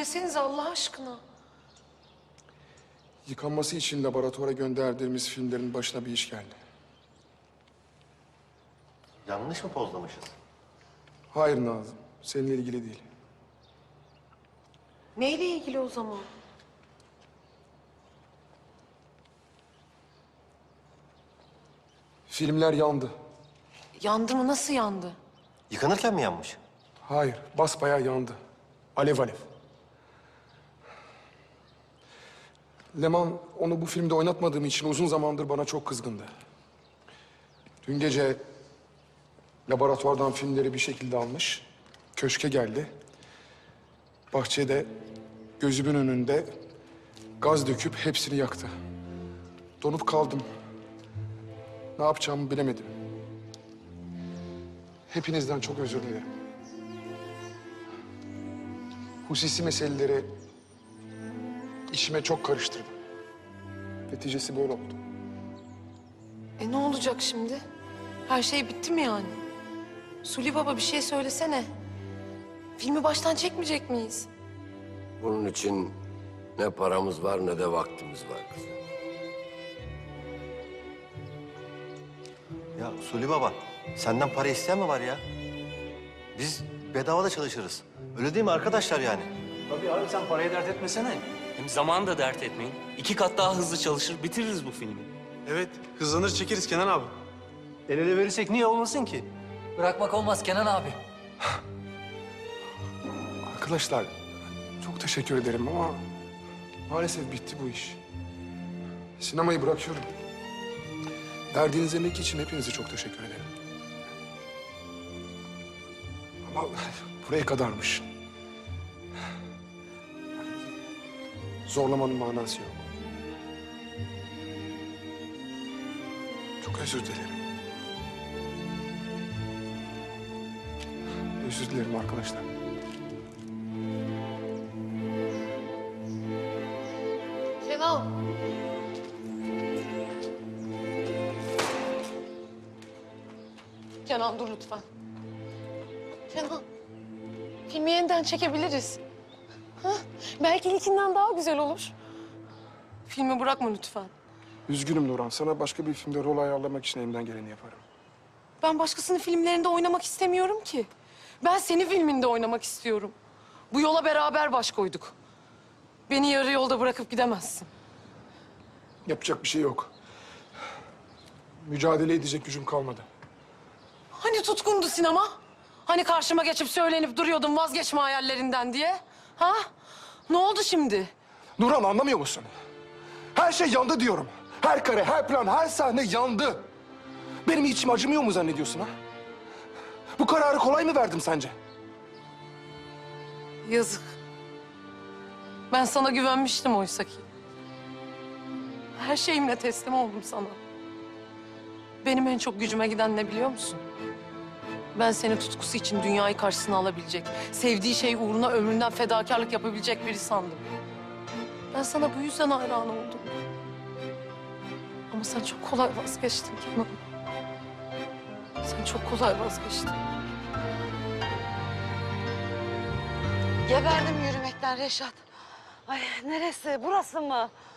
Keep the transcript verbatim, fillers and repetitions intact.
söylesenize Allah aşkına. Yıkanması için laboratuvara gönderdiğimiz filmlerin başına bir iş geldi. Yanlış mı pozlamışız? Hayır Nazım, seninle ilgili değil. Neyle ilgili o zaman? Filmler yandı. Yandı mı? Nasıl yandı? Yıkanırken mi yanmış? Hayır, basbayağı yandı. Alev alev. Leman onu bu filmde oynatmadığım için uzun zamandır bana çok kızgındı. Dün gece laboratuvardan filmleri bir şekilde almış. Köşke geldi. Bahçede gözümün önünde gaz döküp hepsini yaktı. Donup kaldım. Ne yapacağımı bilemedim. Hepinizden çok özür dilerim. Hususi meseleleri içime çok karıştırdım. Neticesi böyle oldu. E ne olacak şimdi? Her şey bitti mi yani? Suli Baba bir şey söylesene. Filmi baştan çekmeyecek miyiz? Bunun için ne paramız var ne de vaktimiz var kızım. Ya Suli Baba, senden para isteyen mi var ya? Biz bedava da çalışırız. Öyle değil mi arkadaşlar yani? Tabii abi sen parayı dert etmesene. Hem zamanı da dert etmeyin. İki kat daha hızlı çalışır, bitiririz bu filmi. Evet, hızlanır çekeriz Kenan abi. El ele verirsek niye olmasın ki? Bırakmak olmaz Kenan abi. Arkadaşlar çok teşekkür ederim ama maalesef bitti bu iş. Sinemayı bırakıyorum. Verdiğiniz emek için hepinize çok teşekkür ederim. Ama buraya kadarmış. Zorlamanın manası yok. Çok özür dilerim. Özür dilerim arkadaşlar. Kenan. Kenan dur lütfen. Kenan. Filmi yeniden çekebiliriz. Ha? Belki ilkinden daha güzel olur. Filmi bırakma lütfen. Üzgünüm Nurhan. Sana başka bir filmde rol ayarlamak için elimden geleni yaparım. Ben başkasının filmlerinde oynamak istemiyorum ki. Ben senin filminde oynamak istiyorum. Bu yola beraber baş koyduk. Beni yarı yolda bırakıp gidemezsin. Yapacak bir şey yok. Mücadele edecek gücüm kalmadı. Hani tutkundu sinema? Hani karşıma geçip söylenip duruyordun vazgeçme hayallerinden diye? Ha? Ne oldu şimdi? Nurhan anlamıyor musun? Her şey yandı diyorum. Her kare, her plan, her sahne yandı. Benim içim acımıyor mu zannediyorsun ha? Bu kararı kolay mı verdim sence? Yazık. Ben sana güvenmiştim oysa ki. Her şeyimle teslim oldum sana. Benim en çok gücüme giden ne biliyor musun? Ben seni tutkusu için dünyayı karşısına alabilecek, sevdiği şey uğruna ömründen fedakarlık yapabilecek biri sandım. Ben sana bu yüzden hayran oldum. Ama sen çok kolay vazgeçtin Kenan. Sen çok kolay vazgeçtin. Geberdim yürümekten Reşat. Ay neresi? Burası mı?